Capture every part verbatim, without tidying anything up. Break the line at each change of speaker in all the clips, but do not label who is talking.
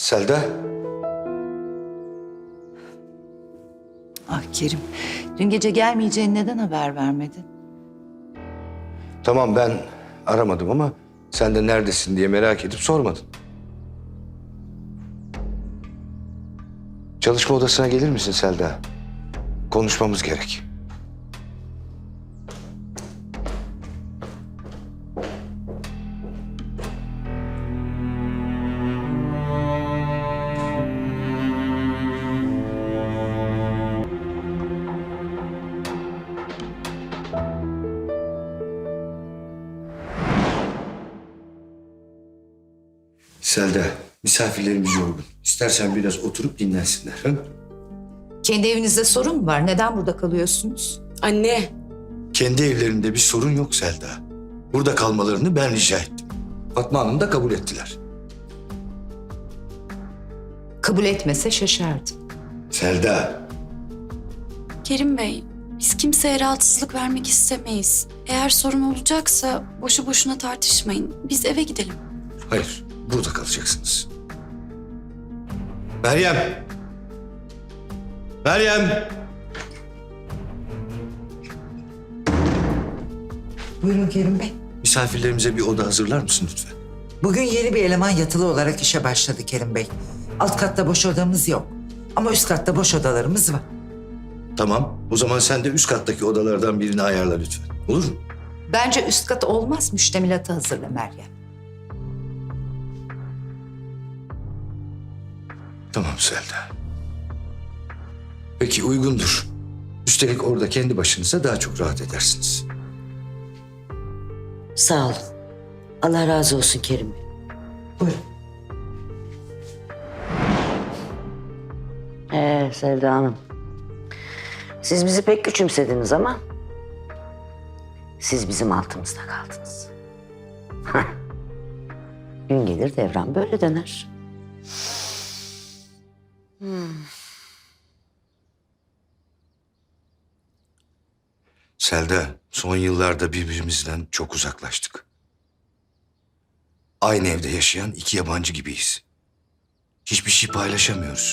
Selda.
Ah Kerim, dün gece gelmeyeceğini neden haber vermedin?
Tamam ben aramadım ama sen de neredesin diye merak edip sormadın. Çalışma odasına gelir misin Selda? Konuşmamız gerek. Selda, misafirlerimiz yorgun. İstersen biraz oturup dinlensinler. Ha?
Kendi evinizde sorun mu var? Neden burada kalıyorsunuz?
Anne,
Kendi evlerinde bir sorun yok Selda. Burada kalmalarını ben rica ettim. Fatma Hanım da kabul ettiler.
Kabul etmese şaşardım.
Selda,
Kerim Bey, biz kimseye rahatsızlık vermek istemeyiz. Eğer sorun olacaksa boşu boşuna tartışmayın. Biz eve gidelim.
hayır, burada kalacaksınız. Meryem! Meryem!
Buyurun Kerim Bey.
Misafirlerimize bir oda hazırlar mısın lütfen?
Bugün yeni bir eleman yatılı olarak işe başladı Kerim Bey. Alt katta boş odamız yok. Ama üst katta boş odalarımız var.
Tamam, o zaman sen de üst kattaki odalardan birini ayarla lütfen. Olur mu?
Bence üst kat olmaz, müştemilatı hazırla Meryem.
Tamam Selda. Peki uygundur. Üstelik orada kendi başınıza daha çok rahat edersiniz.
Sağ olun. Allah razı olsun Kerim Bey.
Buyurun.
Ee Selda Hanım. Siz bizi pek küçümsediniz ama siz bizim altımızda kaldınız. Hah. Gün gelir devran böyle döner.
Selda, son yıllarda birbirimizden çok uzaklaştık. Aynı evde yaşayan iki yabancı gibiyiz. Hiçbir şey paylaşamıyoruz.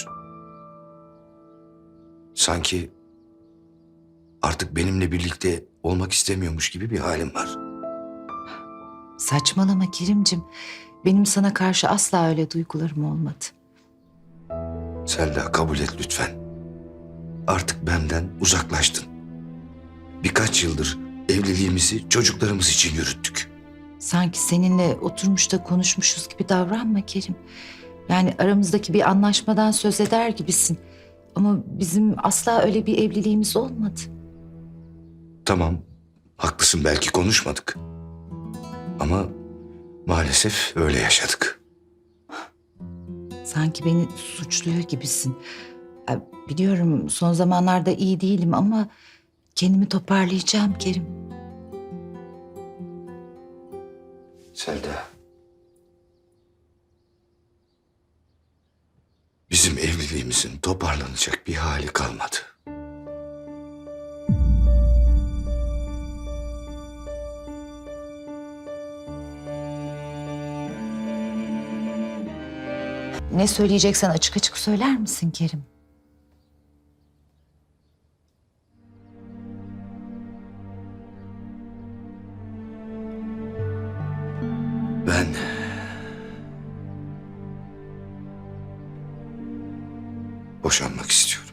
Sanki artık benimle birlikte olmak istemiyormuş gibi bir halim var.
Saçmalama Kerimcim. Benim sana karşı asla öyle duygularım olmadı.
Selda kabul et lütfen. Artık benden uzaklaştın. Birkaç yıldır evliliğimizi çocuklarımız için yürüttük.
Sanki seninle oturmuş da konuşmuşuz gibi davranma Kerim. Yani aramızdaki bir anlaşmadan söz eder gibisin. Ama bizim asla öyle bir evliliğimiz olmadı.
Tamam, haklısın belki konuşmadık. Ama maalesef öyle yaşadık.
Sanki beni suçluyor gibisin. Ya, biliyorum son zamanlarda iyi değilim ama kendimi toparlayacağım Kerim.
Selda. Bizim evliliğimizin toparlanacak bir hali kalmadı.
Ne söyleyeceksen açık açık söyler misin Kerim?
Ben... boşanmak istiyorum.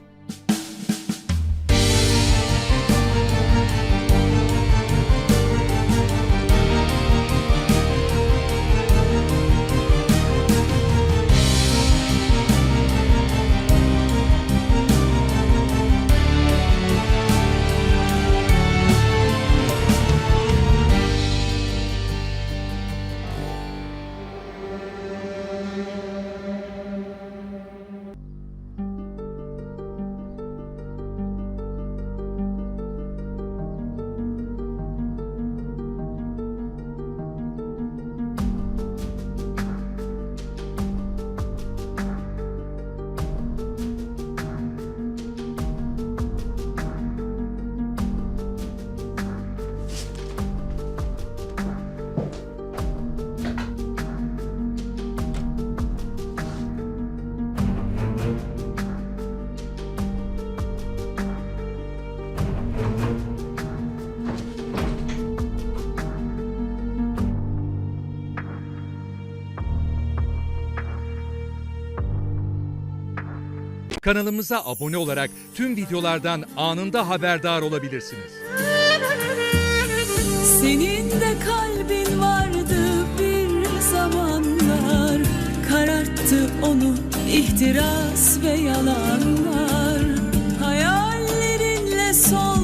Kanalımıza abone olarak tüm videolardan anında haberdar olabilirsiniz.
Senin de kalbin vardı bir zamanlar, kararttı onu ihtiras ve yalanlar. Hayallerinle sol